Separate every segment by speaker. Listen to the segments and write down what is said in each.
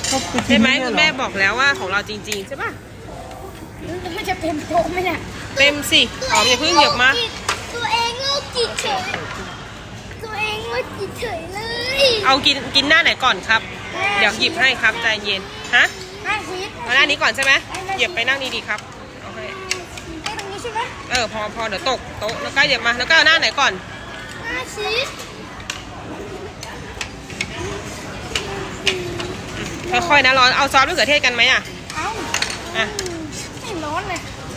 Speaker 1: ใช่ไหมคุณแม่บอกแล้วว่าของเราจริงๆใช่ป่ะ
Speaker 2: มันจะเป็นโต๊ะไหมเนี่ย
Speaker 1: เต็มสิอ๋ออย่าเพิ่งเหยียบมา
Speaker 2: ตัวเองโลกจิตเฉยตัวเองโลกจิตเฉยเลย
Speaker 1: เอากินหน้าไหนก่อนครับเดี๋ยวหยิบให้ครับใจเย็นฮะ
Speaker 2: ห้าชีส
Speaker 1: เอาหน้านี้ก่อนใช่ไหมเหยียบไปนั่งดีๆครับเอาให้
Speaker 2: ไอ้ตรงนี้ใช่ไหม
Speaker 1: พอเดี๋ยวตกโต๊ะแล้วก็เหยียบมาแล้วก็เอาหน้าไหนก่อน
Speaker 2: ห้าชีส
Speaker 1: ค่อยๆนะร้อนเอาซอสมะเขือเทศกันไหมอ่ะ
Speaker 2: เอ้า
Speaker 1: อ่ะ
Speaker 2: ไม่ร้อนเลย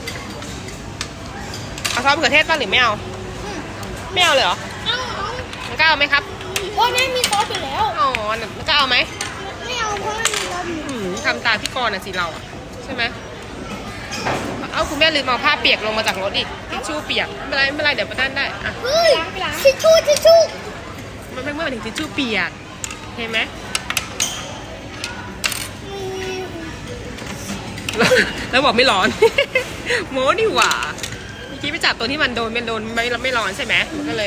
Speaker 1: เอาซอสมะเขือเทศป่ะหรือไม่เอาไม่เอาเลยเหรอ
Speaker 2: เอ้า
Speaker 1: มันก็เอาไหมครับ
Speaker 2: โอ้ยแม่มีซอสอยู่แล้ว
Speaker 1: อ๋อมันก็เอาไหม
Speaker 2: ไม่เอาเพราะมันมีซอสอยู่
Speaker 1: ทำตามพี่กรณ์น่ะสิเราอ่ะใช่ไหมเอาคุณแม่ลืมเอาผ้าเปียกลงมาจากรถอีกทิชชู่เปียกไม่เป็นไรเดี๋ยวประทานได้อ่ะ
Speaker 2: เฮ้ยทิชชู่ทิชชู่
Speaker 1: มันไม่ถึงทิชชู่เปียกเห็นไหม แล้วบอกไม่ร้อน โม้ดีหว่าเมื่อกี้ไปจับตัวที่มันโดนไม่ร้อนใช่ไหมมันก็เลย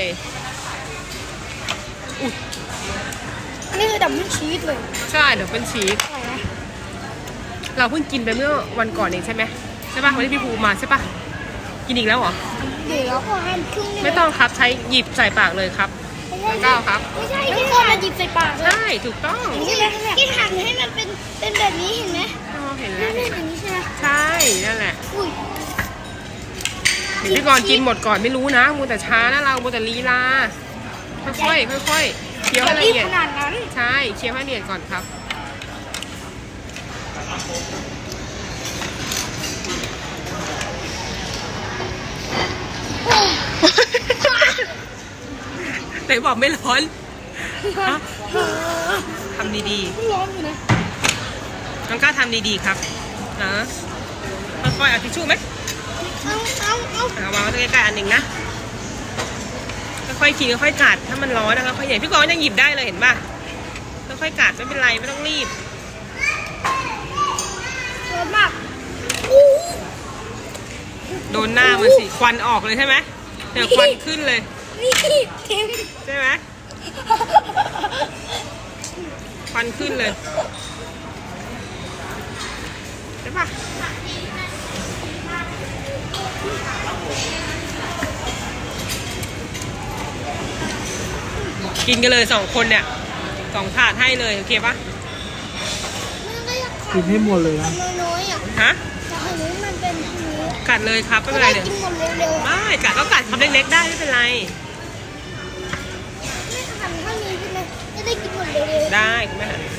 Speaker 2: อันนี้คือดับเบิลชีสเลย
Speaker 1: ใช่เดี๋ยวเป็นชีส
Speaker 2: อะไรนะ
Speaker 1: เราเพิ่งกินไปเมื่อวันก่อนเองใช่ไหมใช่ป่ะวันที่พี่ภูมาใช่ป่ะกินอีกแล้วเหรอ
Speaker 2: เดี๋ยวเราก็หั่นครึ่งนึง
Speaker 1: ไม่ต้องครับใช้หยิบใส่ปากเลยครับก้าวครับ
Speaker 2: ไม่ใช่ที่คนมาหยิบใส่ปากเลย
Speaker 1: ใช่ถูกต้อง
Speaker 2: ที่หั่นให้มันเป็นแบบนี้เห็นไหม
Speaker 1: อ๋อเห็น
Speaker 2: นี่
Speaker 1: แล้ว
Speaker 2: เป็นอย่างนี้ใช่ไหม
Speaker 1: ใช่นั่นแหละ
Speaker 2: อุ้ย
Speaker 1: เดี๋ยวพี่กรณ์กินหมดก่อนไม่รู้นะมัวแต่ช้านะเรามัวแต่ลีลาค่อยๆเคี้ยวให้ละ
Speaker 2: รีบ
Speaker 1: เอียด
Speaker 2: ขนาดนั้น
Speaker 1: ใช่เคี้ยวให้ละเอียดก่อนครับ ไหนบอกไม่ร้อนฮะทำดี
Speaker 2: ร้อนอยู่นะ
Speaker 1: ๆน้องกล้าทำดีๆครับนะค่อยๆเอาทิชชู่ไหม
Speaker 2: เอา
Speaker 1: วางไว้ใกล้ๆอันหนึ่งนะค่อยๆกินค่อยๆกัดถ้ามันร้อนนะคะค่อยๆอย่างพี่กรณ์ยังหยิบได้เลยเห็นป่ะค่อยๆกัดไม่เป็นไรไม่ต้องรีบ
Speaker 2: ร้อนมาก
Speaker 1: โดนหน้ามันสิควันออกเลยใช่ไหมเดี๋ยวควันขึ้นเลย
Speaker 2: นี่เต็ม
Speaker 1: ใช่ไหมควันขึ้นเลยใช่ปะกินกันเลย2 คนเนี่ย2 ถาดให้เลยโอเคปะ
Speaker 3: กินให้หมดเลยนะ
Speaker 2: น้อยๆอ่ะ
Speaker 1: ฮะ
Speaker 2: แต่อันนี้มันเป็นอันนี้
Speaker 1: กัดเลยครับไม่
Speaker 2: จะ
Speaker 1: เป็นไร
Speaker 2: ได้
Speaker 1: เดี๋ยว
Speaker 2: กินหมดเร็วๆ
Speaker 1: ไม่กัดก็กัดคำเล็กๆได้ไม่เป็นไร
Speaker 2: ไม่ทำเท่านี้ใช่ไหมจะได้กินหมดเร็วๆ
Speaker 1: ได้คุณแม่